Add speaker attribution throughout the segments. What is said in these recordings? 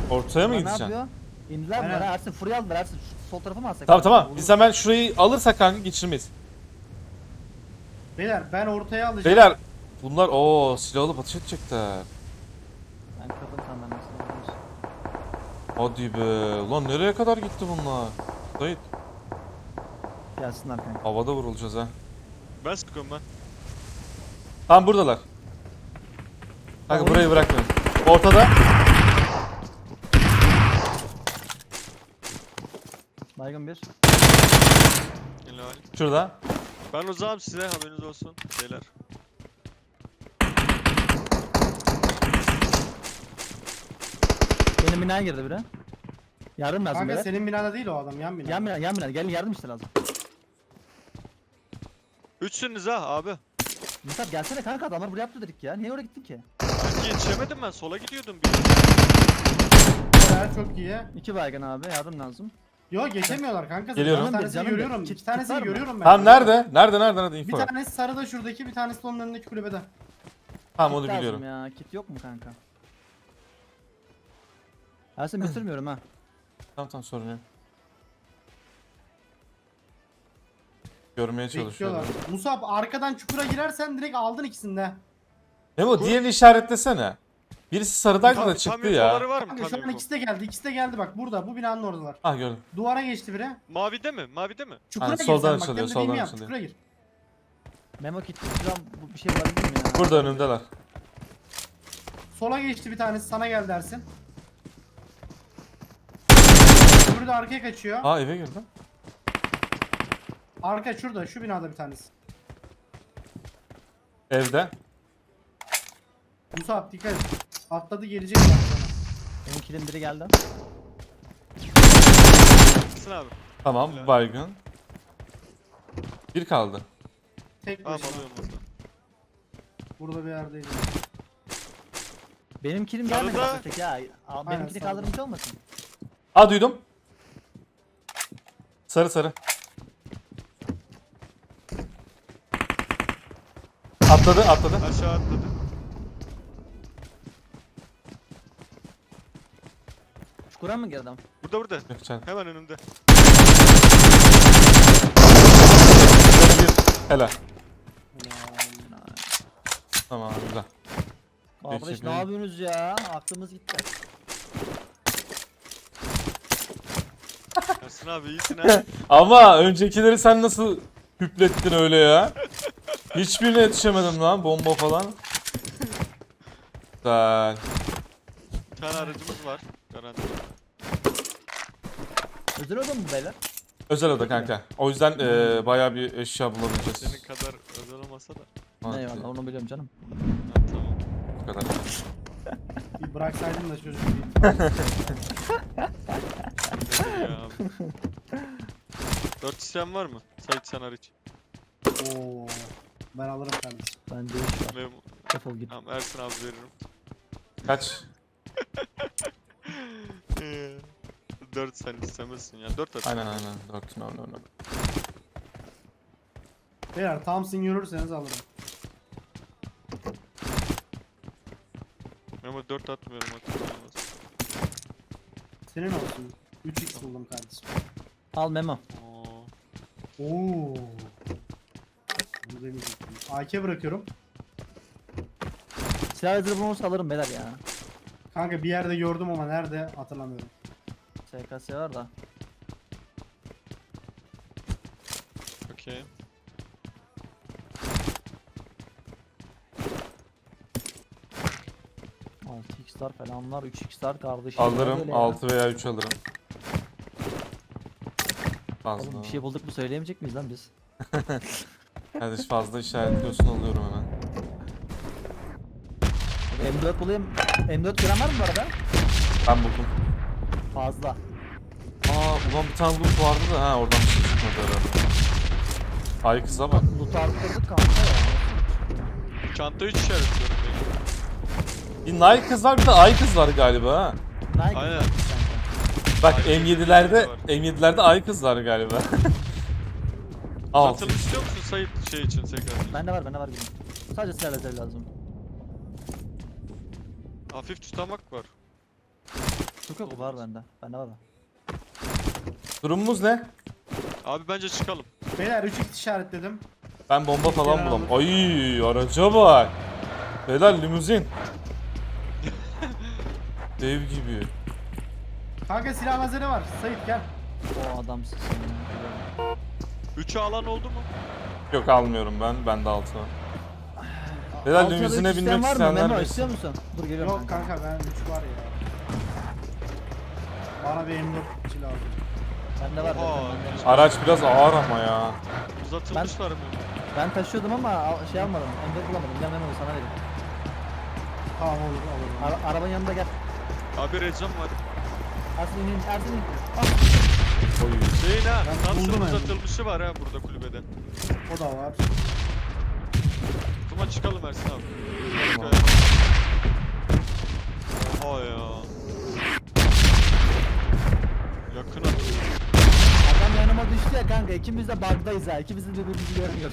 Speaker 1: Ortaya mı
Speaker 2: Ne
Speaker 1: gideceksin?
Speaker 2: yapıyor? İndiler bunlar
Speaker 3: Aynen.
Speaker 2: ha Ersin. Furya aldılar Ersin. Şu sol tarafa mı alsak?
Speaker 1: Tamam tamam.
Speaker 2: Olur.
Speaker 1: Biz hemen şurayı alırsak kanka geçirmeyiz.
Speaker 3: Beyler ben ortaya alacağım.
Speaker 1: Beyler bunlar silah alıp ateş edecekler.
Speaker 2: Ben kırdım sen ben nasıl yapıyorsun?
Speaker 1: Hadi be. Ulan nereye kadar gitti bunlar? Zahit.
Speaker 2: Gelsinler kanka.
Speaker 1: Havada vurulacağız ha.
Speaker 4: Ben sıkıyorum ben.
Speaker 1: Tamam buradalar. Kanka
Speaker 2: Tamam.
Speaker 1: burayı bırakmayın. Ortada.
Speaker 2: Baygın bir.
Speaker 4: Helal.
Speaker 1: Şurada.
Speaker 4: Ben uzağım size haberiniz olsun beyler.
Speaker 2: Benim binaya girdi biri. Yardım lazım
Speaker 3: Kanka
Speaker 2: beyler.
Speaker 3: senin binada değil o adam, yan bina.
Speaker 2: Yan bina. Gelin yardım işte lazım.
Speaker 4: Üçsünüz ha abi.
Speaker 2: Mustafa gelsene kanka adamlar buraya yaptı dedik ya. Niye oraya gittin ki?
Speaker 4: Sanki yetişemedim ben sola gidiyordum bir.
Speaker 3: Beyler çok iyi.
Speaker 2: 2 baygın abi yardım lazım.
Speaker 3: Yo geçemiyorlar kanka.
Speaker 1: Geliyorum.
Speaker 3: Bir tanesini
Speaker 2: Canım
Speaker 3: görüyorum.
Speaker 2: benim.
Speaker 3: İki tanesini
Speaker 2: Kit var mı?
Speaker 3: görüyorum ben.
Speaker 1: Tamam nerede? Nerede
Speaker 3: Bir
Speaker 1: info ver.
Speaker 3: tanesi sarıda şuradaki, bir tanesi de onun önündeki kulübede.
Speaker 1: Tamam
Speaker 2: Kit
Speaker 1: onu
Speaker 2: lazım
Speaker 1: biliyorum.
Speaker 2: ya. Kit yok mu kanka? Ersin bitirmiyorum ha.
Speaker 1: Tamam sorun yok. Görmeye çalışıyorum.
Speaker 3: Bekliyorlar. Musab arkadan çukura girersen direkt aldın ikisini de.
Speaker 1: Memo diğerini işaretlesene. Birisi sarıdaydı da çıktı ya.
Speaker 4: infoları var mı?
Speaker 3: Kanka şu
Speaker 4: Tam
Speaker 3: an
Speaker 4: info.
Speaker 3: ikisi de geldi. İkisi de geldi bak burada. Bu binanın oradalar.
Speaker 1: Ah gördüm.
Speaker 3: Duvara geçti biri.
Speaker 4: Mavide mi? Mavide mi?
Speaker 3: Çukura
Speaker 1: Yani
Speaker 3: gir
Speaker 1: soldan
Speaker 3: sen bak.
Speaker 1: açılıyor,
Speaker 3: Benim
Speaker 1: soldan
Speaker 3: dediğimi yap.
Speaker 1: açılıyor.
Speaker 3: Çukura gir.
Speaker 2: Memo kit falan bir şey bulabilir miyim ya?
Speaker 1: Burada önümdeler.
Speaker 3: Sola geçti bir tanesi, sana gel dersin. Öbürü de arkaya kaçıyor.
Speaker 1: Aa eve girdi.
Speaker 3: Arka şurada, şu binada bir tanesi.
Speaker 1: Evde.
Speaker 3: Musab dikkat et. Atladı, gelecek bak sana.
Speaker 2: Benim kilim biri geldi.
Speaker 4: Gitsin abi.
Speaker 1: Tamam baygın. Bir kaldı.
Speaker 3: Tek
Speaker 4: Tamam
Speaker 3: başına.
Speaker 4: alıyorum burada.
Speaker 3: Burada bir yerdeydi.
Speaker 2: Benim kilim gelmedi
Speaker 4: Sarıda-
Speaker 2: bak tek ya. Benimkini
Speaker 3: sarıda.
Speaker 2: kaldırmış olmasın?
Speaker 1: Aa duydum. Sarı. Atladı.
Speaker 4: Aşağı atladı.
Speaker 2: Çukura mı girdim?
Speaker 4: Burada.
Speaker 1: Yok canım.
Speaker 4: Hemen önümde.
Speaker 1: Bir. Helal. Tamam güzel.
Speaker 2: Kardeş
Speaker 1: Teşekkür
Speaker 2: ne
Speaker 1: ederim.
Speaker 2: yapıyorsunuz ya? Aklımız gitti.
Speaker 4: Ersin abi iyisin ha.
Speaker 1: Ama öncekileri sen nasıl hüplettin öyle ya? Hiçbirine yetişemedim lan bomba falan. Güzel.
Speaker 4: Bir tane aracımız var. Garanti.
Speaker 2: Özel oda mı bu beyler?
Speaker 1: Özel oda kanka. O yüzden bayağı bir eşya bulabileceğiz.
Speaker 4: Senin kadar özel olmasa da.
Speaker 1: Evet,
Speaker 2: Eyvallah onu biliyorum canım.
Speaker 4: Ha, tamam.
Speaker 1: bu kadar.
Speaker 3: Bir bıraksaydın da çocuk bir.
Speaker 4: Ne ya abi. 4 isyan var mı? Sait sen hariç.
Speaker 3: Oo. Ben alırım kardeşim.
Speaker 2: Ben de iş var.
Speaker 4: Memo.
Speaker 2: Defol git.
Speaker 4: Tamam Ersin abi veririm.
Speaker 1: Kaç?
Speaker 4: 4 sen istemezsin ya. 4 at.
Speaker 1: Aynen 4 no.
Speaker 3: Beyler Thompson görürseniz alırım.
Speaker 4: Memo 4 atmıyorum hatırlamaz.
Speaker 3: Senin olsun. 3x buldum kardeşim.
Speaker 2: Al Memo.
Speaker 4: Oo.
Speaker 3: Oo. Bunu demeyecektim. AK bırakıyorum.
Speaker 2: Silah hazır bulunursa alırım beyler ya.
Speaker 3: Kanka bir yerde gördüm ama nerede hatırlamıyorum.
Speaker 2: SKS var da.
Speaker 4: Okey.
Speaker 2: Altı x'lar falanlar 3x'lar kardeşim.
Speaker 1: Alırım
Speaker 2: Böyle ya.
Speaker 1: 6 veya 3 alırım. Fazla.
Speaker 2: Oğlum bir şey bulduk mu söyleyemeyecek miyiz lan biz?
Speaker 1: Kardeş fazla işaretliyorsun alıyorum hemen.
Speaker 2: M4 bulayım. M4 gören var mı bu arada?
Speaker 1: Ben buldum.
Speaker 2: Fazla.
Speaker 1: Ulan bir tane loot vardı da oradan bir şey çıkmadı herhalde. Ay kıza bak.
Speaker 2: Loot'u arttırdık kanka ya.
Speaker 4: Çanta 3 işaretliyorum
Speaker 1: Bir Nike kız var bir de Ay kız var galiba ha.
Speaker 2: Nike
Speaker 4: Aynen.
Speaker 2: kanka.
Speaker 1: Bak
Speaker 4: Ay
Speaker 1: M7'lerde
Speaker 4: var.
Speaker 1: M7'lerde Ay kız var galiba. Altı.
Speaker 4: Satılım istiyor musun Sait şey için tekrar?
Speaker 2: Bende var gülüm. Sadece silah lazer lazım.
Speaker 4: Hafif tutamak var.
Speaker 2: Yok yok var bende. Bende var.
Speaker 1: Durumumuz ne?
Speaker 4: Abi bence çıkalım.
Speaker 3: Beyler 3x işaretledim.
Speaker 1: Ben bomba falan
Speaker 3: Kenar
Speaker 1: bulam.
Speaker 3: alır.
Speaker 1: Ay araca bak. Beyler limuzin. Dev gibi.
Speaker 3: Kanka silah hazırı var. Sait gel.
Speaker 2: O adamsın sen ya.
Speaker 4: 3'e alan oldu mu?
Speaker 1: Yok almıyorum ben. Bende 6 var. Beyler
Speaker 2: Altı ya da
Speaker 1: limuzine
Speaker 2: üç
Speaker 1: binmek
Speaker 2: isteyen var mı?
Speaker 1: isteyenler
Speaker 2: Memo
Speaker 1: bilsin.
Speaker 2: istiyor musun? Dur geliyorum
Speaker 3: Yok kanka ben 3 var ya. Bana bir M4 lazım.
Speaker 2: Bende var.
Speaker 4: Oha.
Speaker 2: Bende var.
Speaker 1: Araç biraz ağır ama ya.
Speaker 4: Uzatılmışlar mı?
Speaker 2: Ben taşıyordum ama şey almadım. Emre bulamadım. Gel Memo sana vereyim.
Speaker 3: Tamam olur.
Speaker 2: Arabanın yanında gel.
Speaker 4: Abi Recep var.
Speaker 2: Ersin in. Ersin in. Ah.
Speaker 1: Oy.
Speaker 4: Şeyin ha.
Speaker 3: Ben buldum
Speaker 4: Thompson
Speaker 3: yani.
Speaker 4: uzatılmışı var ha burada kulübede.
Speaker 3: O da var.
Speaker 4: Kuma çıkalım Ersin abi.
Speaker 1: Tamam.
Speaker 4: Oha ya. Yakın atıyor.
Speaker 2: Adam yanıma düştü ya kanka. İkimiz de bug'dayız ha. İkimiz de birbirimizi görmüyoruz.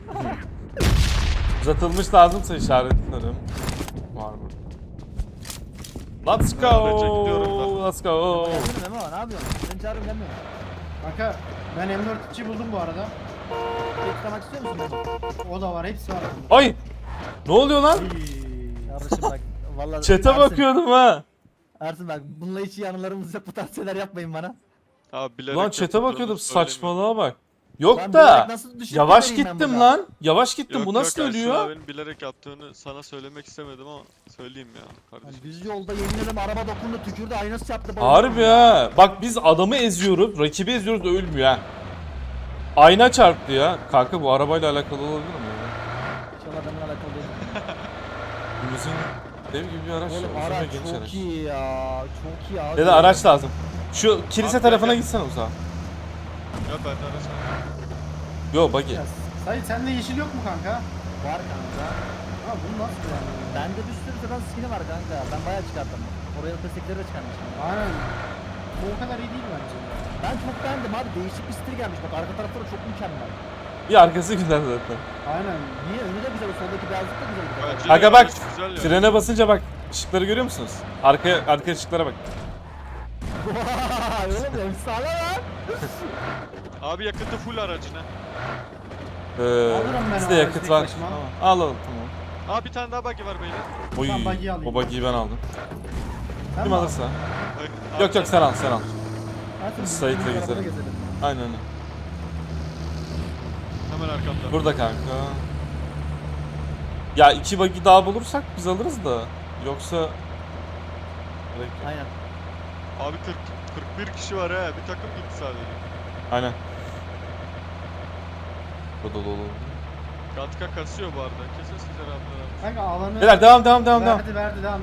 Speaker 1: Uzatılmış lazımsa işaretlerim. Var burada. Let's
Speaker 4: Ben de çekiliyorum
Speaker 1: go.
Speaker 4: ben.
Speaker 1: Let's go.
Speaker 2: Gelsene Memo ne yapıyorsun? Seni çağırıyorum gelmiyor.
Speaker 3: Kanka ben M4'çi buldum bu arada.
Speaker 2: Beklemek istiyor musun Memo?
Speaker 3: O da var. Hepsi var.
Speaker 1: Ay. Ne oluyor lan?
Speaker 3: Ay.
Speaker 2: Kardeşim bak. Vallahi
Speaker 1: Çete
Speaker 2: Ersin,
Speaker 1: bakıyordum ha.
Speaker 2: Ersin bak bununla hiç iyi anılarımız yok. Bu tarz şeyler yapmayın bana.
Speaker 4: Abi bilerek
Speaker 1: Lan çete
Speaker 4: yapıldığını
Speaker 1: bakıyordum
Speaker 4: söylemiyorum.
Speaker 1: saçmalığa bak. Yok
Speaker 2: Ben
Speaker 1: da
Speaker 2: bilerek nasıl düşüp
Speaker 1: yavaş
Speaker 2: gidereyim ben
Speaker 1: gittim
Speaker 2: burada?
Speaker 1: lan. Yavaş gittim.
Speaker 4: Yok,
Speaker 1: Bu nasıl
Speaker 4: yok, Ersin
Speaker 1: ölüyor?
Speaker 4: abinin bilerek yaptığını sana söylemek istemedim ama söyleyeyim ya
Speaker 2: Yani
Speaker 4: kardeşim.
Speaker 2: düz yolda yemin ederim araba dokundu tükürdü aynası çarptı.
Speaker 1: Harbi ha. Bak biz adamı eziyoruz, rakibi eziyoruz da ölmüyor ha. Ayna çarptı ya. Kanka bu arabayla alakalı olabilir mi? ya?
Speaker 2: İnşallah benimle alakalı değil.
Speaker 1: Limuzin dev gibi bir araç.
Speaker 2: Oğlum
Speaker 1: ya, uzun ve
Speaker 2: araç
Speaker 1: geniş
Speaker 2: çok
Speaker 1: araç.
Speaker 2: iyi ya. Çok iyi abi.
Speaker 1: Ya da araç lazım. Şu kilise
Speaker 4: Abi,
Speaker 1: tarafına
Speaker 4: gel.
Speaker 1: gitsene uzağa.
Speaker 4: Ya ben de arasam.
Speaker 1: Yo buggy.
Speaker 3: Sait sende yeşil yok mu kanka?
Speaker 2: Var kanka.
Speaker 3: Ha bunu nasıl yani?
Speaker 2: Bende bir sürü sıradan skin'i var kanka. Ben bayağı çıkarttım. Oraya destekleri de çıkarmışım.
Speaker 3: Aynen. Bu o kadar iyi değil bence.
Speaker 2: Ben çok beğendim abi. Değişik bir stil gelmiş. Bak arka tarafları çok mükemmel.
Speaker 1: Bir arkası güzel zaten.
Speaker 3: Aynen.
Speaker 2: Niye? Önü de güzel. O soldaki beyazlık da güzel.
Speaker 4: Bence
Speaker 1: Kanka
Speaker 4: de
Speaker 1: bak,
Speaker 4: güzel ya.
Speaker 1: frene basınca bak. Işıkları görüyor musunuz? Arka ışıklara bak.
Speaker 2: Vay oğlum efsane lan.
Speaker 4: Abi yakıtı full aracına.
Speaker 3: Alırım ben
Speaker 1: Bizde
Speaker 3: o
Speaker 1: yakıt
Speaker 3: tek
Speaker 1: var.
Speaker 3: başıma.
Speaker 1: Alalım tamam.
Speaker 4: Aa bir tane daha buggy var beyler.
Speaker 1: Oy,
Speaker 3: Ben buggy'yi alayım.
Speaker 1: o buggy'yi ben aldım.
Speaker 3: Sen
Speaker 1: Kim
Speaker 3: mi
Speaker 1: alırsa.
Speaker 4: Abi,
Speaker 1: Yok yok sen al sen al.
Speaker 2: Ersin,
Speaker 1: Sait'le
Speaker 2: biz arabada
Speaker 1: gezelim.
Speaker 2: gezelim.
Speaker 1: Aynen öyle.
Speaker 4: Hemen arkamda.
Speaker 1: Burada kanka. Ya 2 buggy daha bulursak biz alırız da. Yoksa... Gerek yok.
Speaker 2: Aynen.
Speaker 4: Abi 41 kişi var ha. Bir takım gitti sadece.
Speaker 1: Aynen. Bu dolu dolu.
Speaker 4: Katka kasıyor bu arada. Kesin size raplar.
Speaker 3: Kanka alanı
Speaker 1: Beyler devam devam devam devam.
Speaker 3: verdi devam.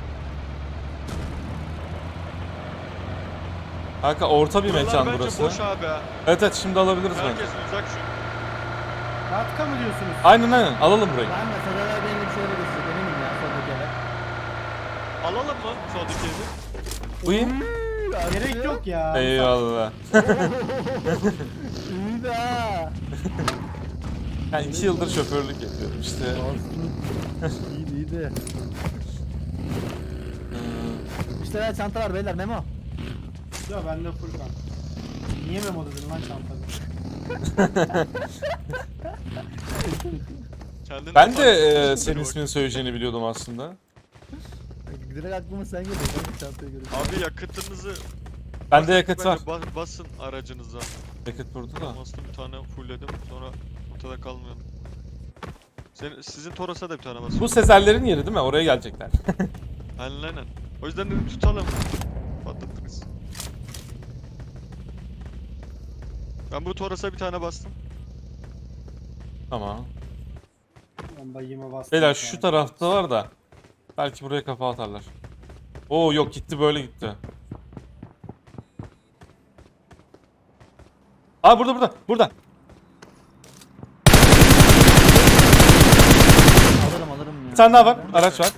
Speaker 1: Kanka orta bir
Speaker 4: Buralar
Speaker 1: mekan
Speaker 4: bence
Speaker 1: burası.
Speaker 4: boş abi ha.
Speaker 1: Evet evet şimdi alabiliriz bence.
Speaker 4: Herkes uzak şu.
Speaker 3: Katka mı diyorsunuz?
Speaker 1: Aynen aynen alalım burayı.
Speaker 2: Ben de Sedat abi benim şöyle göstereyim. Eminim ya soldaki eve.
Speaker 4: Alalım mı soldaki evi?
Speaker 1: Buyurun.
Speaker 3: Gerek yok ya.
Speaker 1: Eyvallah.
Speaker 2: İyi be ha.
Speaker 1: Ben 2 yıldır şoförlük yapıyorum işte.
Speaker 2: İyiydi iyiydi.
Speaker 1: Hmm,
Speaker 2: İşte ya çanta var beyler Memo.
Speaker 3: Ya bende full kanka. Niye memo dedin lan çantada?
Speaker 4: Kendin
Speaker 1: Ben de
Speaker 4: fark-
Speaker 1: senin
Speaker 4: Bak.
Speaker 1: ismini söyleyeceğini biliyordum aslında.
Speaker 2: Direkt aklıma sen geliyor. Ben de çantayı görüyorum.
Speaker 4: Abi yakıtınızı
Speaker 1: Bende yakıt var.
Speaker 4: bence basın aracınıza.
Speaker 1: Yakıt burada da.
Speaker 4: Bastım bir tane fullledim sonra ortada kalmayalım. Sizin Toros'a da bir tane basın.
Speaker 1: Bu Sezerlerin yeri değil mi? Oraya gelecekler.
Speaker 4: Aynen. O yüzden dedim tutalım. Patlattınız. Ben bu Toros'a bir tane bastım.
Speaker 1: Tamam.
Speaker 3: Ben bayıma bastım.
Speaker 1: Beyler şu tarafta var da. Belki buraya kafa atarlar. Oo yok gitti böyle gitti. Aa burada.
Speaker 2: Alırım ya.
Speaker 1: Bir tane daha var. Araç var.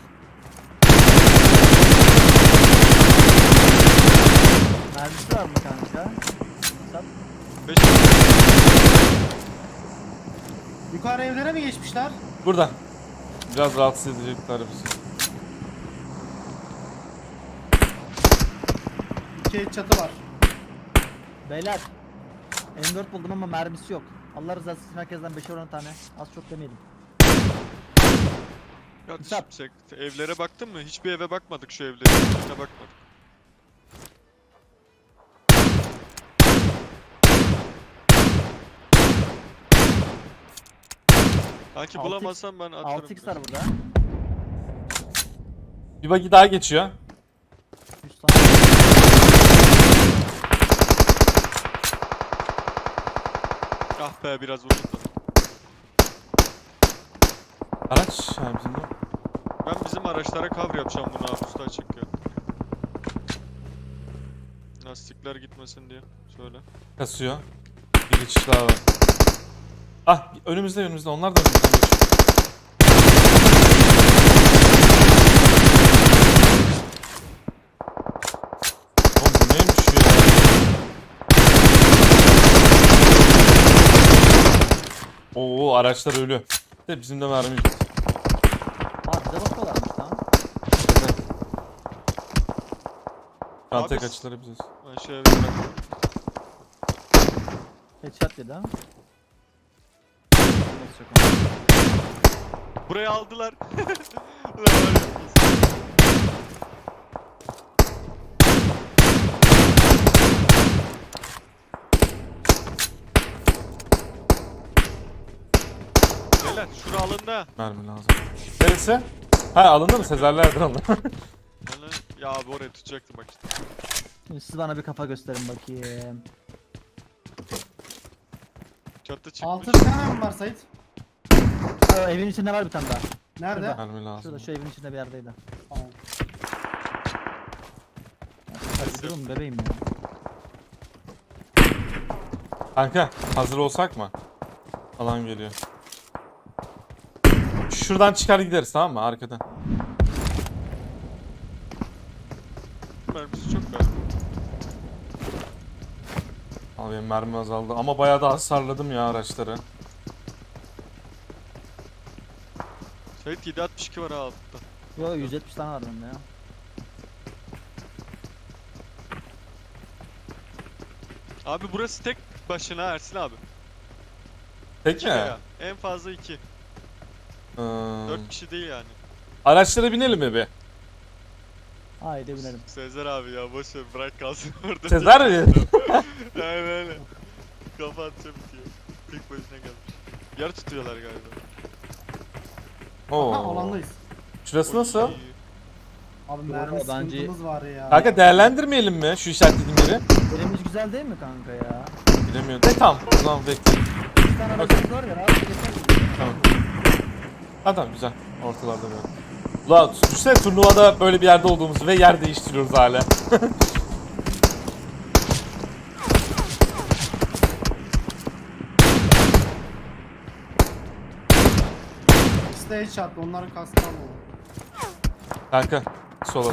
Speaker 2: Mermisi var mı kanka? Sat.
Speaker 4: 5
Speaker 3: Yukarı evlere mi geçmişler?
Speaker 1: Burada. Biraz rahatsız edecekler bizi.
Speaker 3: dikey çatı var.
Speaker 2: Beyler. M4 buldum ama mermisi yok. Allah rızası için herkesten 5'er 10 tane. Az çok demeyelim.
Speaker 4: Kardeşim
Speaker 2: Hesap.
Speaker 4: sen evlere baktın mı? Hiçbir eve bakmadık şu evlere. Hiçbirine bakmadık. Kanki
Speaker 2: 6x
Speaker 4: bulamazsam ben atarım.
Speaker 2: 6x var burada.
Speaker 1: Bir bagi daha geçiyor.
Speaker 2: 100 tane.
Speaker 4: Ah be biraz vurdum da.
Speaker 1: Araç. Ha, bizim de.
Speaker 4: Ben bizim araçlara cover yapacağım bunu abi usta açık ya. Lastikler gitmesin diye. Şöyle.
Speaker 1: Kasıyor. Bir geçiş daha var. Ah önümüzde onlar da önümüzden geçiyor. Oğlum bu neymiş ya? Oo araçlar ölü. De bizim de mermi yok.
Speaker 2: Aa bize bakıyorlarmış lan.
Speaker 1: Şu an
Speaker 4: Abi
Speaker 1: tek
Speaker 4: s-
Speaker 1: açıları biziz.
Speaker 4: Ben şöyle bir bırakayım.
Speaker 2: Headshot dedi ha. Nasıl yok ama.
Speaker 4: Burayı aldılar. Ulan var ya. Beyler şura alında.
Speaker 1: Mermi lazım. Neresi? Ha alındı mı? Sezerlerdir onlar.
Speaker 4: Ya abi oraya tutacaktım bak işte.
Speaker 2: Şimdi siz bana bir kafa gösterin bakayım.
Speaker 4: Çatı çıkmış.
Speaker 3: 6 tane mi var Sait?
Speaker 2: Aa, evin içinde var bir tane daha.
Speaker 3: Nerede?
Speaker 2: Şurada.
Speaker 1: Mermi lazım.
Speaker 2: Şurada şu evin içinde bir yerdeydi.
Speaker 3: Tamam.
Speaker 2: Hadi durun bebeğim ya.
Speaker 1: Kanka hazır olsak mı? Alan geliyor. Şuradan çıkar gideriz tamam mı? Arkadan.
Speaker 4: Mermisi çok galiba.
Speaker 1: Al benim mermi azaldı ama bayağı da hasarladım ya araçları.
Speaker 4: Sait 762 var ha altta.
Speaker 2: Yo 170 tane var bende ya.
Speaker 4: Abi burası tek başına Ersin abi.
Speaker 1: Peki mi?
Speaker 4: Ya, en fazla 2.
Speaker 1: Hmm.
Speaker 4: 4 kişi değil yani.
Speaker 1: Araçlara binelim mi bir?
Speaker 2: Haydi binelim.
Speaker 4: Sezer abi ya boş ver bırak kalsın orada.
Speaker 1: Sezer mi?
Speaker 4: Aynen öyle. Kafa atacağım bitiyor. Tek başına gelmiş. Yer tutuyorlar galiba.
Speaker 3: Ha
Speaker 1: Oo.
Speaker 3: alandayız.
Speaker 1: Şurası nasıl?
Speaker 4: Oy.
Speaker 3: Abi
Speaker 2: Yo,
Speaker 3: mermi
Speaker 2: bence-
Speaker 3: sıkıntımız var ya.
Speaker 1: Kanka değerlendirmeyelim mi şu işaretlediğim yeri?
Speaker 2: Elimiz güzel değil mi kanka ya?
Speaker 1: Bilemiyorum. De tamam. O zaman bekleyin.
Speaker 2: Bir tane aracımız var ya rahat geçer.
Speaker 1: Tamam. Ha tamam güzel. Ortalarda böyle. Ulan düşünsene turnuvada böyle bir yerde olduğumuzu ve yer değiştiriyoruz hala.
Speaker 3: Stage shot onların kaskı almadı.
Speaker 1: Kanka sola.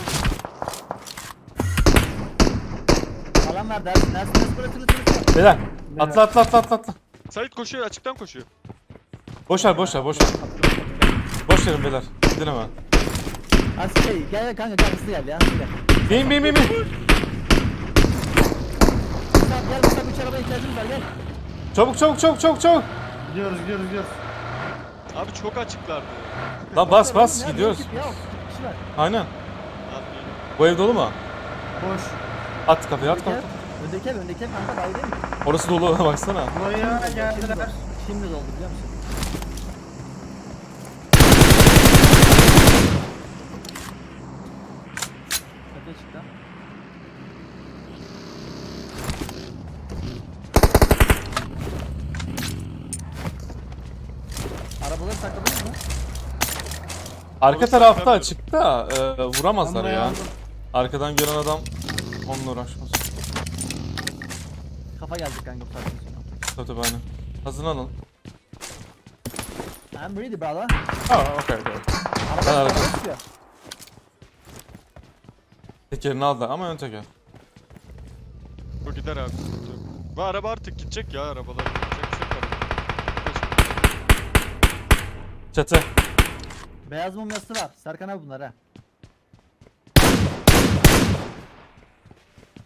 Speaker 2: Alan ver dersin. Dersin burası.
Speaker 1: Beyler atla atla atla atla atla.
Speaker 4: Sait koşuyor açıktan koşuyor.
Speaker 1: Boş ver boş ver boş ver. Boş verin beyler. Gidin hemen.
Speaker 2: Hadi şey gel kanka gel hızlı gel ya hızlı gel.
Speaker 1: Bin bin bin bin.
Speaker 2: Tamam gel bak 3 arabaya ihtiyacımız var gel.
Speaker 1: Çabuk çabuk çabuk çabuk çabuk.
Speaker 3: Gidiyoruz.
Speaker 4: Abi çok açıklardı.
Speaker 1: Lan bas bas
Speaker 2: Ya,
Speaker 1: gidiyoruz.
Speaker 2: bir ekip ya, bir kişi var.
Speaker 1: Aynen.
Speaker 4: Abi
Speaker 1: Bu ev dolu mu?
Speaker 3: Boş.
Speaker 1: At kapıyı at
Speaker 2: Öndeki
Speaker 1: kapıyı.
Speaker 2: ev, öndeki ev kanka daha iyi değil mi?
Speaker 1: Orası dolu baksana.
Speaker 3: Buraya geldiler.
Speaker 2: Şimdi doldu biliyor musun? Tepeye çıktı. Arabaları sakladınız mı?
Speaker 1: Arka
Speaker 4: Orası
Speaker 1: tarafta
Speaker 4: saklanmıyor.
Speaker 1: açık da vuramazlar
Speaker 3: Ben buraya
Speaker 1: ya.
Speaker 3: aldım.
Speaker 1: Arkadan gelen adam onunla uğraşmaz.
Speaker 2: Kafa geldi kanka bu saatten sonra.
Speaker 1: Tabii aynen. Hazırlanın.
Speaker 2: I'm ready brother.
Speaker 1: Aa okey okey.
Speaker 2: Araba
Speaker 1: Ben araba-
Speaker 2: araba çıkıyor.
Speaker 1: Tekerini aldı ama ön teker.
Speaker 4: bu gider abi. sıkıntı yok. Ve araba artık gidecek ya arabalar. Gidecek çok araba.
Speaker 1: Çatı.
Speaker 2: Beyaz mumyası var. Serkan abi bunlar ha.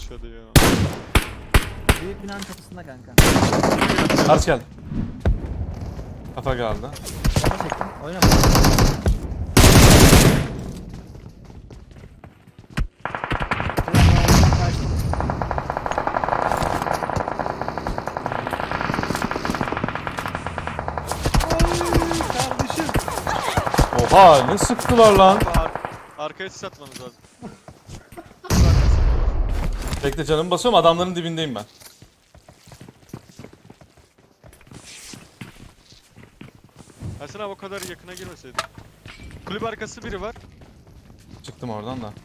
Speaker 4: yaşadı ya.
Speaker 2: Büyük binanın çatısında kanka.
Speaker 1: Araç geldi. Kafa geldi.
Speaker 2: Ona çektim. Oyna.
Speaker 3: Kardeşim.
Speaker 1: Oha ne sıktılar lan.
Speaker 4: Abi arkaya sis atmanız lazım.
Speaker 1: Bekle canımı basıyorum, adamların dibindeyim ben.
Speaker 4: Ersin abi o kadar yakına girmeseydin. Kulüp arkası biri var.
Speaker 1: Çıktım oradan da.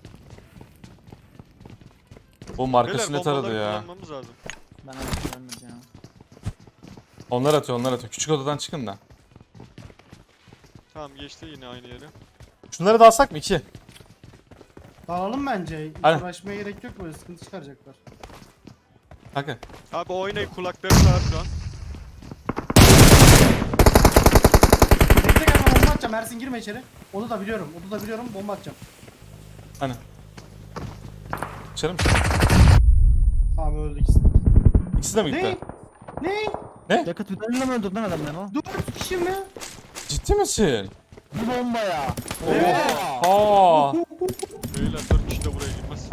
Speaker 1: Bu markası ne taradı
Speaker 4: bombaları
Speaker 1: ya?
Speaker 4: kullanmamız lazım.
Speaker 2: Ben artık ölmedim ya.
Speaker 1: Onlar atıyor, onlar atıyor. Küçük odadan çıkın da.
Speaker 4: Tamam geçti yine aynı yere.
Speaker 1: Şunları da alsak mı? 2.
Speaker 3: Dağılalım bence. Hiç
Speaker 1: Aynen.
Speaker 3: uğraşmaya gerek yok, böyle sıkıntı çıkaracaklar.
Speaker 1: Kanka.
Speaker 4: Abi oynayın kulakları sağır şu an.
Speaker 3: Bekle gel, ben bomba atacağım. Ersin girme içeri. Onu da biliyorum. Onu da biliyorum. Bomba atacağım.
Speaker 1: Hani. İçerim.
Speaker 3: Tamam öldü ikisi de.
Speaker 1: İkisi de mi gitti?
Speaker 3: Ne? Ne?
Speaker 2: Yakıt tüneliyle mi öldürdün adam Memo?
Speaker 3: 4 kişi mi?
Speaker 1: Ciddi misin?
Speaker 2: Bir bombaya.
Speaker 3: Evet.
Speaker 1: Aa.
Speaker 4: Beyler 4 kişi de buraya girmez.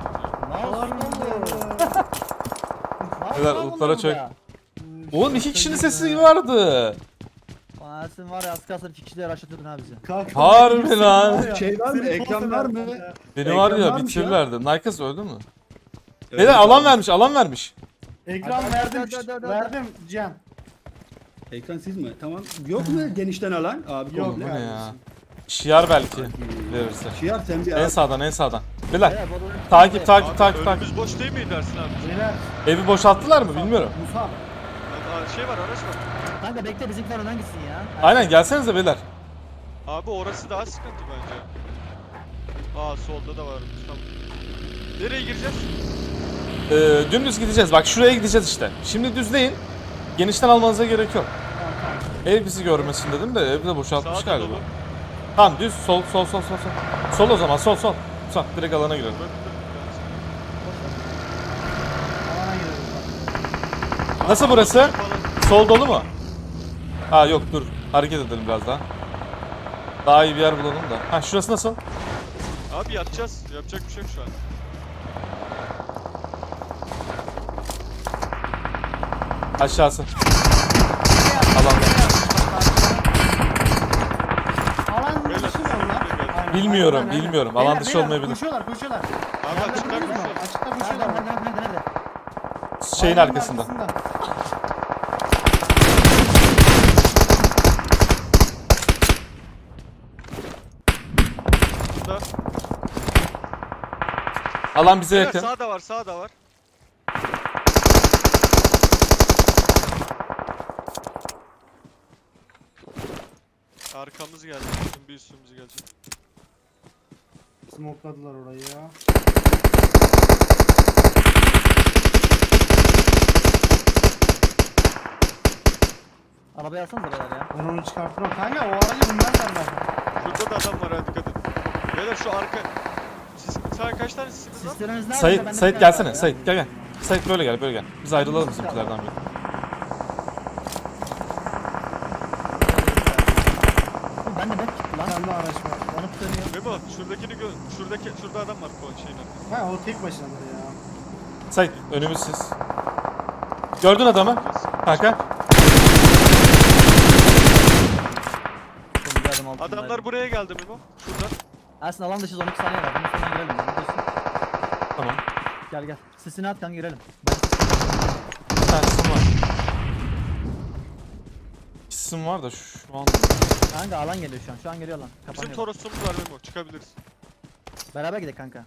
Speaker 1: Beyler, lootlara çök. Oğlum 2 kişinin sesi vardı.
Speaker 2: Ersin var ya, az kalsın 2 kişiyle araştırdın ha bizi.
Speaker 3: Kanka,
Speaker 1: Harbi
Speaker 3: seni
Speaker 1: lan.
Speaker 3: var ya,
Speaker 5: Şey var mı?
Speaker 3: seni
Speaker 5: Ekran
Speaker 3: çok
Speaker 5: var
Speaker 3: severim
Speaker 5: mı?
Speaker 3: ya.
Speaker 1: Beni var
Speaker 5: Ekran
Speaker 1: ya
Speaker 5: varmış
Speaker 1: bitirirlerdi. Nike's öldü mü?
Speaker 5: Evet,
Speaker 1: Beyler alan vermiş, alan vermiş.
Speaker 3: Ekran
Speaker 2: Hadi,
Speaker 3: verdim.
Speaker 2: hadi.
Speaker 3: Verdim Cihan.
Speaker 5: Ekran siz mi? Tamam. Yok mu genişten alan? Abi
Speaker 3: Yok
Speaker 1: Bu
Speaker 5: komple.
Speaker 1: ne ya?
Speaker 3: kardeşim.
Speaker 1: Şiar belki verirse.
Speaker 5: Şiar sen bir
Speaker 1: En
Speaker 5: al.
Speaker 1: sağdan, en sağdan. Beyler
Speaker 2: Beyler, bu adamın-
Speaker 1: takip, takip,
Speaker 4: Abi
Speaker 1: takip, takip.
Speaker 4: önümüz boş değil miydi Ersin abi?
Speaker 3: Beyler.
Speaker 1: Evi boşalttılar mı bilmiyorum.
Speaker 3: Musab.
Speaker 4: Şey var araç var.
Speaker 2: Kanka bekle, bizimkiler önden gitsin ya.
Speaker 1: Aynen gelsenize beyler.
Speaker 4: Abi orası daha sıkıntı bence. Aa solda da var. Tamam. Nereye gireceğiz?
Speaker 1: Dümdüz gideceğiz. Bak şuraya gideceğiz işte. Şimdi düzleyin. Genişten almanıza gerek yok. Ev bizi görmesin dedim de evi de boşaltmış
Speaker 4: Sağda
Speaker 1: galiba.
Speaker 4: dolu.
Speaker 1: Tamam düz sol sol sol sol sol. Sol o zaman sol sol. Sol direkt alana girelim.
Speaker 3: Alana girelim.
Speaker 1: Nasıl burası? Sol dolu mu? Ha yok dur. Hareket edelim biraz daha. Daha iyi bir yer bulalım da. Ha şurası nasıl?
Speaker 4: Abi yatacağız. Yapacak bir şey yok şu an.
Speaker 1: Aşağısı. Alanda.
Speaker 3: Alan
Speaker 4: Beyler,
Speaker 3: dışı mı onlar? Aynen,
Speaker 1: Bilmiyorum,
Speaker 3: aynen, aynen.
Speaker 1: bilmiyorum.
Speaker 3: Beyler,
Speaker 1: Alan dışı
Speaker 3: beyler,
Speaker 1: olmayabilir.
Speaker 3: Koşuyorlar, koşuyorlar.
Speaker 4: Abi açıklar
Speaker 3: Gördünüz mü?
Speaker 4: mısın?
Speaker 3: Açıkta
Speaker 2: Nerede,
Speaker 3: koşuyorlar.
Speaker 2: nerede?
Speaker 1: Şeyin
Speaker 3: Aynen
Speaker 1: arkasında.
Speaker 4: Burada.
Speaker 1: Alan bize
Speaker 4: Beyler,
Speaker 1: yakın.
Speaker 4: sağda var, sağda var. Arkamız geldi. Bizim bir üstümüz gelecek.
Speaker 3: Smokladılar orayı ya.
Speaker 2: Arabayı alsanıza beyler ya.
Speaker 3: Ben onu çıkartırım. Kanka o aracı bundan derler.
Speaker 4: Şurada da adam var ha dikkat edin. Beyler şu arka... Siz kaç tane sisiniz var?
Speaker 2: Sisteminiz nerede?
Speaker 1: Sait,
Speaker 2: Bende
Speaker 1: Sait
Speaker 2: bir tane var
Speaker 1: gelsene.
Speaker 2: ya.
Speaker 1: Sait gel gel. Sait böyle gel, böyle gel. Biz ayrılalım bizimkilerden bir.
Speaker 2: Oğlum bende bok gitti lan.
Speaker 3: Bir tane daha araç var.
Speaker 2: Bana tutanıyor.
Speaker 4: Memo şuradakini gör. Şurada adam var bu şeyin arkasında.
Speaker 3: Ha o tek başınadır ya.
Speaker 1: Sait önümüz siz. Gördün adamı? Kanka.
Speaker 2: Oğlum bir adım altındaydı.
Speaker 4: Adamlar buraya geldi Memo. Şurada.
Speaker 2: Ersin alan dışı 12 saniye var. Bunun sonuna girelim.
Speaker 1: Tamam.
Speaker 2: Gel gel. Sesini at kanka, girelim.
Speaker 1: Bir tanesim var. İkisim var da şu an.
Speaker 2: Kanka alan geliyor şu an. Şu an geliyor lan.
Speaker 4: Bizim
Speaker 2: Kapanıyor.
Speaker 4: Toros'umuz var Memo. Çıkabiliriz.
Speaker 2: Beraber gidelim kanka.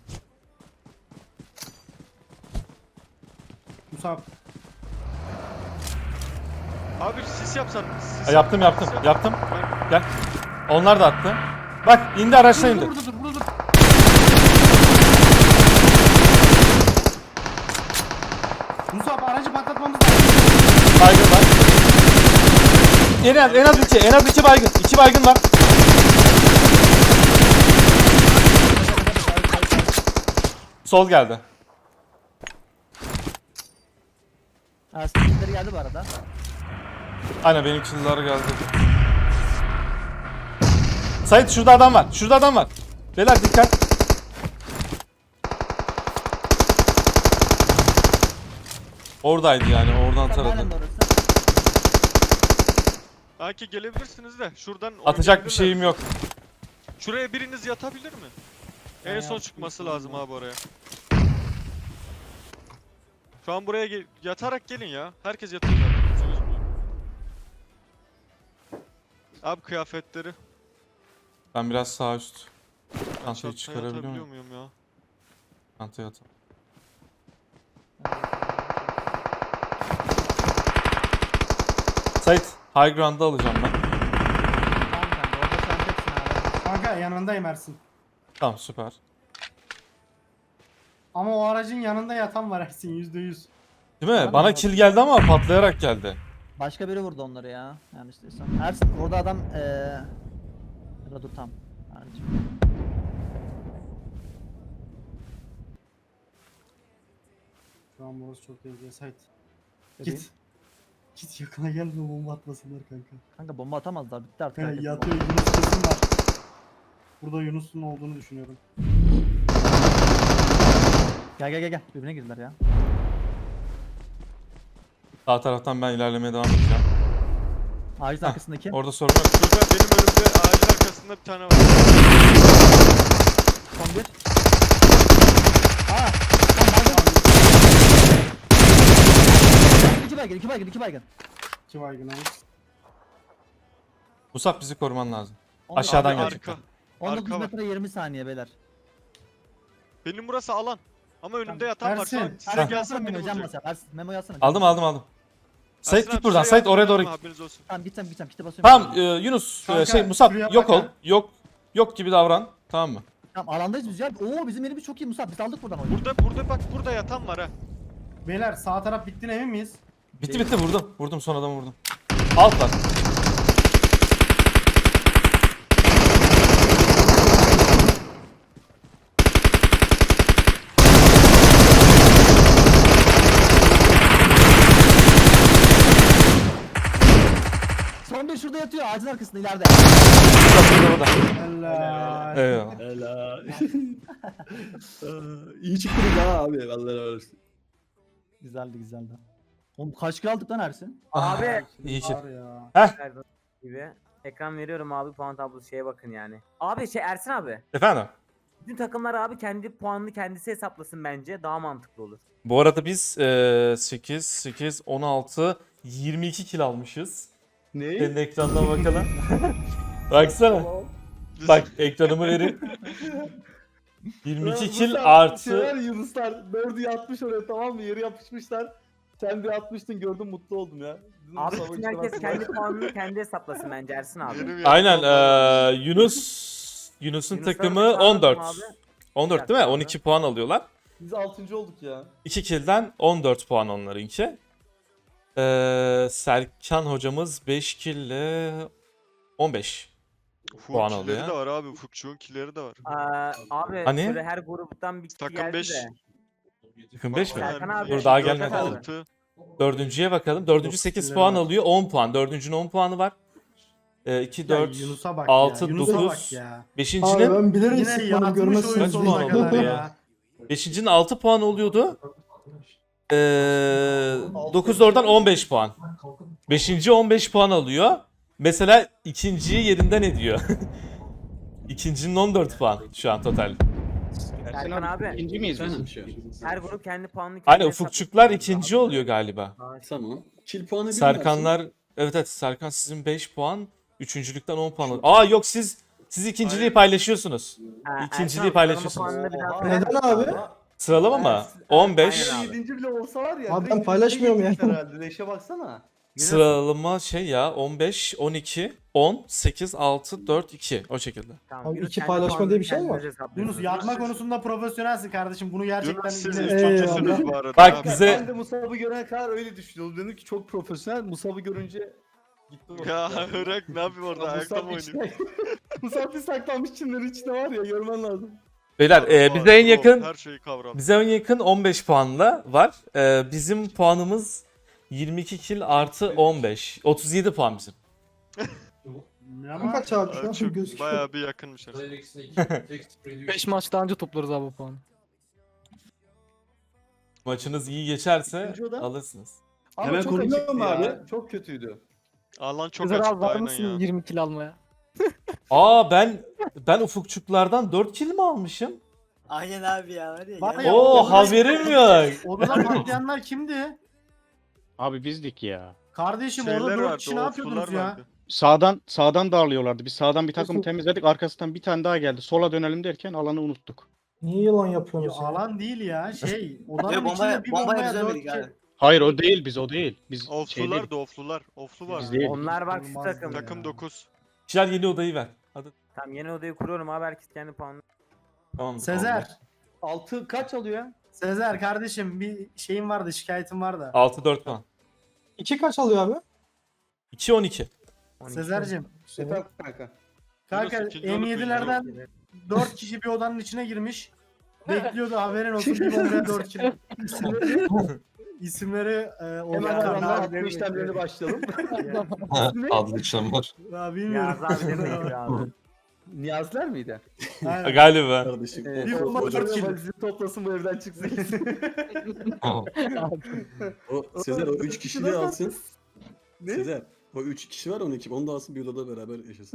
Speaker 3: Musab.
Speaker 4: Abi sis yapsan. Sis
Speaker 1: Ha, yaptım yaptım
Speaker 4: sis yap.
Speaker 1: yaptım.
Speaker 4: Ben-
Speaker 1: Gel. Onlar da attı. Bak indi araçla indi.
Speaker 3: Burada dur, burada dur. Musab aracı patlatmamız lazım.
Speaker 1: Baygın var. En az iki baygın. 2 baygın var. Sol geldi.
Speaker 2: Ersin kimleri geldi bu arada.
Speaker 1: Aynen benim kill'lar geldi. Sait şurada adam var. Şurada adam var. Beyler dikkat. Oradaydı yani oradan
Speaker 2: Sen
Speaker 1: taradı.
Speaker 2: halen de orası.
Speaker 4: Belki gelebilirsiniz de şuradan
Speaker 1: Atacak bir
Speaker 4: oynayabilirler.
Speaker 1: şeyim yok.
Speaker 4: Şuraya biriniz yatabilir mi? En son çıkması lazım abi oraya. Şu an buraya yatarak gelin ya. Herkes yatıyor zaten. Kimse gözükmüyor. Abi kıyafetleri.
Speaker 1: Ben biraz sağ üst. Çantayı
Speaker 4: Çantaya
Speaker 1: çıkarabiliyor
Speaker 4: atabiliyor
Speaker 1: muyum?
Speaker 4: muyum ya?
Speaker 1: Çantaya atalım. Sait high ground'da alacağım ben.
Speaker 2: Tamam kanka orada sen teksin abi.
Speaker 3: Kanka yanındayım Ersin.
Speaker 1: Tamam süper.
Speaker 3: Ama o aracın yanında yatan var Ersin %100.
Speaker 1: Değil mi? Bana kill geldi ama patlayarak geldi.
Speaker 2: Başka biri vurdu onları ya. Yanlış değilsem. Ersin orada adam ya da dur tam. Harici.
Speaker 3: Şu an burası çok tehlikeli. Sait.
Speaker 2: Bebeğim.
Speaker 3: Git. Git yakına gelme bomba atmasınlar kanka.
Speaker 2: Kanka bomba atamazlar bitti artık.
Speaker 3: He,
Speaker 2: herkes
Speaker 3: yatıyor
Speaker 2: bomba.
Speaker 3: Yunus kesin var. Burada Yunus'un olduğunu düşünüyorum.
Speaker 2: Gel. Birbirine girdiler ya.
Speaker 1: Sağ taraftan ben ilerlemeye devam edeceğim.
Speaker 2: Ağacın arkasındaki.
Speaker 1: Orada sorun yok.
Speaker 4: Şurada benim önümde ağacın arkasında bir tane var.
Speaker 2: Son bir. Aa! Tam baygın. İki baygın.
Speaker 3: İki baygın abi.
Speaker 1: Musab bizi koruman lazım.
Speaker 2: 19
Speaker 1: Aşağıdan
Speaker 4: Abi
Speaker 1: gelecek.
Speaker 4: arka.
Speaker 2: 19
Speaker 4: arka var.
Speaker 2: metre 20 saniye beyler.
Speaker 4: Benim burası alan. Ama önümde yatan var. Şu an
Speaker 3: Ersin,
Speaker 4: size
Speaker 2: Ersin
Speaker 4: gelsem
Speaker 2: yazsana
Speaker 4: beni
Speaker 2: Memo can
Speaker 4: vuracak.
Speaker 2: basar. Ersin Memo yazsana.
Speaker 1: Aldım. Sait
Speaker 4: Ersin
Speaker 1: git
Speaker 4: abi,
Speaker 1: buradan.
Speaker 4: şuraya
Speaker 1: Sait oraya
Speaker 4: yardım
Speaker 1: doğru
Speaker 4: etme,
Speaker 1: git.
Speaker 4: haberiniz olsun.
Speaker 2: Tamam gideceğim. Kite basıyorum.
Speaker 1: Tamam Yunus
Speaker 3: Kanka,
Speaker 1: Musab
Speaker 3: şuraya
Speaker 1: yok
Speaker 3: bak
Speaker 1: ol. Yok gibi davran. Tamam mı?
Speaker 2: Tamam alandayız biz ya. Oo bizim yerimiz çok iyi Musab. Biz aldık buradan oyunu.
Speaker 4: Burada bak burada yatan var ha.
Speaker 3: Beyler sağ taraf bittiğine emin miyiz?
Speaker 1: Bitti vurdum. Vurdum son adamı vurdum. Alt var.
Speaker 2: Son bir şurada yatıyor ağacın arkasında ileride.
Speaker 1: Burada.
Speaker 3: Helal.
Speaker 1: Eyvallah.
Speaker 5: Helal. İyi çıktınız ha abi. Vallahi öyle.
Speaker 2: Güzeldi. Oğlum kaç kill aldık lan Ersin?
Speaker 6: Abi
Speaker 1: İyi ki.
Speaker 3: Var ya.
Speaker 6: her gibi ekran veriyorum abi, puan tablosu şeye bakın yani. Abi Ersin abi.
Speaker 1: Efendim?
Speaker 6: Bütün takımlar abi kendi puanını kendisi hesaplasın, bence daha mantıklı olur.
Speaker 1: Bu arada biz 8, 16, 22 kill almışız.
Speaker 5: Ne?
Speaker 1: Senin ekranına bakalım. Baksana. Bak ekranımı vereyim. 22 kill artı.
Speaker 7: Yunuslar 4'ü yatmış oraya, tamam mı? Yeri yapışmışlar. Sen bir atmıştın, gördüm, mutlu oldum ya. Dedim,
Speaker 6: Abi
Speaker 7: Mustafa
Speaker 6: bütün herkes
Speaker 7: istemez.
Speaker 6: kendi puanını kendi hesaplasın bence Ersin abi.
Speaker 4: Benim
Speaker 1: Aynen
Speaker 4: yatan var.
Speaker 1: Yunus'un
Speaker 6: Yunusların
Speaker 1: takımı
Speaker 6: bir puanı
Speaker 1: 14.
Speaker 6: var abi.
Speaker 1: 14 değil mi? 12 puan alıyorlar.
Speaker 7: Biz 6. olduk ya.
Speaker 1: 2 kill'den 14 puan onlarınki. Serkan hocamız 5 kill'le 15.
Speaker 4: Ufuk'un
Speaker 1: puan
Speaker 4: killeri
Speaker 1: alıyor.
Speaker 4: de var abi. Ufukçuğun killeri de var.
Speaker 6: Abi
Speaker 1: Hani?
Speaker 6: şöyle her gruptan bir kişi
Speaker 4: Takım
Speaker 6: geldi
Speaker 4: 5.
Speaker 6: de.
Speaker 1: Takım 5 mi?
Speaker 6: Serkan abi.
Speaker 1: Dur, daha
Speaker 6: dört
Speaker 1: gelmedi.
Speaker 6: aldı.
Speaker 4: 6.
Speaker 1: Dördüncüye bakalım. Dördüncü 8
Speaker 3: killeri
Speaker 1: puan
Speaker 3: var.
Speaker 1: alıyor. 10 puan. Dördüncünün 10 puanı var. 2,
Speaker 3: Ya
Speaker 1: 4,
Speaker 3: Yunus'a bak
Speaker 1: 6,
Speaker 3: ya. Yunus'a
Speaker 1: 9.
Speaker 3: bak ya.
Speaker 1: Beşincinin,
Speaker 7: ben bilerek
Speaker 3: Yine yatmış oyun
Speaker 1: Kaç
Speaker 3: sonuna
Speaker 1: puan
Speaker 3: kadar
Speaker 1: oldu?
Speaker 3: ya.
Speaker 1: beşincinin 6 puan oluyordu. 9 oradan 15 puan. Beşinci 15 puan alıyor. Mesela ikinciyi yerinden ediyor. İkincinin 14 puan şu an total.
Speaker 6: Serkan abi.
Speaker 5: İkinci miyiz
Speaker 1: Efendim?
Speaker 5: biz şu an?
Speaker 6: Her grup kendi puanını kendi
Speaker 1: Hani
Speaker 6: hesaplasın.
Speaker 1: ufukçuklar ikinci oluyor galiba.
Speaker 5: Tamam. Kill puanı bir
Speaker 1: Serkanlar, evet Serkan sizin 5 puan. Üçüncülükten 10 puan alıyor. Aa yok siz ikinciliği paylaşıyorsunuz.
Speaker 6: Ha, Ersin
Speaker 1: İkinciliği
Speaker 6: abi,
Speaker 1: paylaşıyorsunuz.
Speaker 6: puanını biraz
Speaker 7: Oha.
Speaker 6: ver.
Speaker 7: Neden abi?
Speaker 1: Sıralama mı?
Speaker 6: Ersin-
Speaker 1: 15.
Speaker 6: Aynen abi.
Speaker 7: 7. bile olsa var ya.
Speaker 8: Abi ben
Speaker 7: direkt
Speaker 8: paylaşmıyorum
Speaker 7: birinci
Speaker 8: yani.
Speaker 7: herhalde. Leşe baksana.
Speaker 1: Sıralama şey ya 15, 12, 10, 8, 6, 4, 2 o şekilde.
Speaker 6: Tamam,
Speaker 8: Abi
Speaker 6: Yunus
Speaker 8: iki
Speaker 6: kendi
Speaker 8: paylaşma
Speaker 6: puanını
Speaker 8: diye bir şey mi
Speaker 6: kendiniz
Speaker 8: var?
Speaker 6: hesaplıyorsunuz.
Speaker 3: Yunus yatma konusunda profesyonelsin kardeşim. Bunu gerçekten
Speaker 4: Yunus siz
Speaker 3: yine-
Speaker 4: üçüncüsünüz bu arada.
Speaker 1: Bak
Speaker 4: abi.
Speaker 1: bize
Speaker 7: Ben de Musab'ı görene kadar öyle düşünüyordum. Dedim ki çok profesyonel. Musab'ı görünce gittim.
Speaker 4: Ya Irak ne yapayım orada ayakta mı oynayayım?
Speaker 7: Musab bir saklanmış çimlerin içinde var ya, görmen lazım.
Speaker 1: beyler bize en yakın
Speaker 4: Her şeyi kavram.
Speaker 1: bize en yakın 15 puanla var. Bizim puanımız 22 kill artı 15. 37 puan bizim.
Speaker 3: Ne ama?
Speaker 8: Kaç abi şu
Speaker 4: Abi
Speaker 8: an
Speaker 4: çok
Speaker 8: gözüküyor.
Speaker 4: bayağı bir yakınmış arası.
Speaker 9: 5 maç daha önce toplarız abi bu puanı.
Speaker 1: Maçınız iyi geçerse
Speaker 7: İkinci oda.
Speaker 1: alırsınız.
Speaker 7: Ama
Speaker 5: Hemen
Speaker 7: çok
Speaker 5: korunuyor
Speaker 7: açıktı
Speaker 5: mu
Speaker 7: ya,
Speaker 5: abi?
Speaker 7: Çok kötüydü.
Speaker 4: Alan çok
Speaker 9: Sezer abi
Speaker 4: açıktı
Speaker 9: var
Speaker 4: aynen
Speaker 9: mısın
Speaker 4: ya.
Speaker 9: 20 kill almaya?
Speaker 1: Aa ben ufukçuklardan 4 kill mi almışım?
Speaker 10: Aynen abi ya var ya.
Speaker 3: Bak
Speaker 10: ya.
Speaker 3: ya,
Speaker 1: Oo
Speaker 3: odada-
Speaker 1: haberim yok.
Speaker 3: Odada patlayanlar kimdi?
Speaker 11: Abi bizdik ya.
Speaker 3: Kardeşim
Speaker 4: Şeyler
Speaker 3: orada 4
Speaker 4: vardı,
Speaker 3: kişi ne yapıyordunuz
Speaker 4: oflular
Speaker 3: ya?
Speaker 4: vardı.
Speaker 11: Sağdan darlıyorlardı. Biz sağdan bir takımı temizledik. Arkasından bir tane daha geldi. Sola dönelim derken alanı unuttuk.
Speaker 8: Niye yalan
Speaker 3: Ya
Speaker 8: yapıyorsunuz ya?
Speaker 3: alan değil ya şey. Odanın
Speaker 10: Ve
Speaker 3: içinde bir
Speaker 10: bombaya
Speaker 3: bombaya 4
Speaker 10: düzelmedik abi.
Speaker 3: kişi.
Speaker 11: Hayır o değil biz o değil. Biz şey
Speaker 4: Oflular
Speaker 11: değil.
Speaker 4: da oflular. Oflu var.
Speaker 11: Biz değil.
Speaker 6: Onlar bak şu
Speaker 3: Olmazdı
Speaker 6: takım.
Speaker 3: ya.
Speaker 4: Takım 9.
Speaker 1: Şiar yeni odayı ver. Hadi.
Speaker 6: Tamam yeni odayı kuruyorum abi, herkes kendi puanını.
Speaker 1: Tamam.
Speaker 3: Sezer.
Speaker 7: 6 kaç alıyor ya?
Speaker 3: Sezer kardeşim bir şeyim vardı, şikayetim vardı.
Speaker 1: 6-4 puan.
Speaker 8: 2 kaç alıyor abi?
Speaker 1: 2-12.
Speaker 6: 12.
Speaker 3: Sezer'cim.
Speaker 7: Efendim kanka.
Speaker 3: Kanka
Speaker 4: Yunus ikinci olup
Speaker 3: M7'lerden 4 kişi bir odanın içine girmiş. Bekliyordu, haberin olsun, bir bombaya 4 kişi. İsimleri
Speaker 7: Hemen
Speaker 3: Ozan
Speaker 7: aranlar
Speaker 3: abi.
Speaker 7: atma işlemlerine başlayalım.
Speaker 8: Adlı işlem var.
Speaker 3: Ya bilmiyorum.
Speaker 6: Yaz abi demeyiz abi.
Speaker 7: Niyazlar mıydı?
Speaker 3: Aynen.
Speaker 1: Galiba.
Speaker 8: Kardeşim.
Speaker 3: Bir bomba
Speaker 7: o
Speaker 3: 4 kill.
Speaker 7: valizini toplasın bu evden çıksın.
Speaker 8: O Sezer o 3 kişiliği alsın.
Speaker 7: Ne?
Speaker 8: Sezer o 3 kişi var 12. Onu da alsın bir odada beraber yaşasın.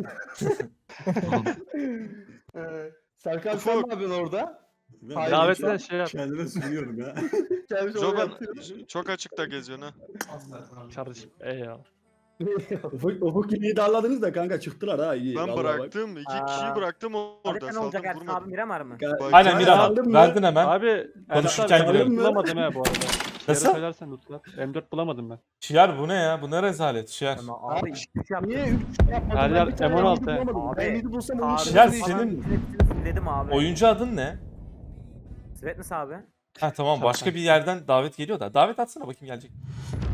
Speaker 7: Serkan sen ne yapıyorsun orada?
Speaker 8: Ben
Speaker 7: Hayır,
Speaker 8: davetle
Speaker 7: şey
Speaker 11: yap.
Speaker 8: kendime sunuyorum ya.
Speaker 7: Gelmiş oraya
Speaker 4: Zoban
Speaker 7: yatıyor.
Speaker 4: çok açıkta geziyorsun ha.
Speaker 11: Kardeşim ya.
Speaker 5: Ufuk iliği darladınız da kanka çıktılar ha iyi.
Speaker 4: Ben
Speaker 5: Vallahi bak.
Speaker 4: bıraktım. 2
Speaker 6: Aa.
Speaker 4: kişiyi bıraktım
Speaker 6: Abi
Speaker 4: orada.
Speaker 6: ne olacak
Speaker 4: Saldım
Speaker 6: Ersin abi,
Speaker 4: vurmadım.
Speaker 6: Miramar mı?
Speaker 7: Ka-
Speaker 1: Aynen
Speaker 7: Ka-
Speaker 1: Miramar.
Speaker 7: aldın mı?
Speaker 1: Verdin hemen.
Speaker 11: Abi
Speaker 1: Konuşurken giriyorum.
Speaker 11: bulamadım ha bu arada.
Speaker 1: Nasıl?
Speaker 11: Söylersen lütfen. M4 bulamadım ben.
Speaker 1: Şiar bu ne ya? Bu ne rezalet Şiar.
Speaker 6: Ama abi iş yaptım.
Speaker 7: Niye 3 yapmadın?
Speaker 11: Her
Speaker 7: Ben
Speaker 11: yer
Speaker 7: bir tane
Speaker 11: M16
Speaker 7: M7 bulamadım.
Speaker 6: Abi,
Speaker 7: Ben 7 bulsam onu
Speaker 6: Abi,
Speaker 1: Şiar,
Speaker 7: işaret-
Speaker 1: senin
Speaker 6: dedim abi.
Speaker 1: Oyuncu adın ne?
Speaker 6: Svetness abi.
Speaker 1: Ha tamam başka bir yerden davet geliyor da. Davet atsana bakayım gelecek.